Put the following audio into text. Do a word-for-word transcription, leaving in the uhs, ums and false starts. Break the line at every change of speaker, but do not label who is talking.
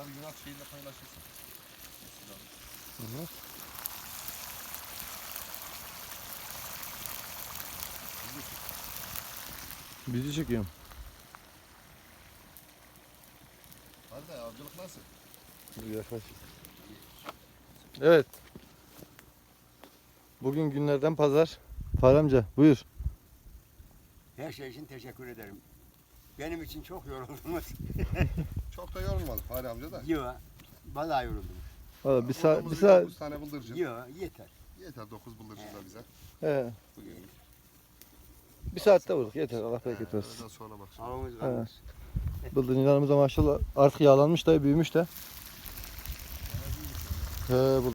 Abi Yunan şeyiyle paylaşırsın.
Hı hı. Bizi çekiyorum.
Hadi de avcılık nasıl?
Yaklaş. Evet. Bugün günlerden pazar. Fahri amca buyur.
Her şey için teşekkür ederim. Benim için çok yoruldunuz.
Çok da yorulmadık Fahri amca da.
Yok, vallahi yoruldum.
Valla bir saat,
Bulduğumuz
bir
bir
saat.
dokuz tane bıldırcın.
Yok, yeter.
Yeter dokuz bıldırcın da bize.
He,
Bugün.
bir saatte vurduk yeter. Allah bereket
He,
versin.
öğleden sonra bak şimdi.
Avımız kalmış.
Bıldırcınlarımız da maşallah artık yağlanmış da büyümüş de. He,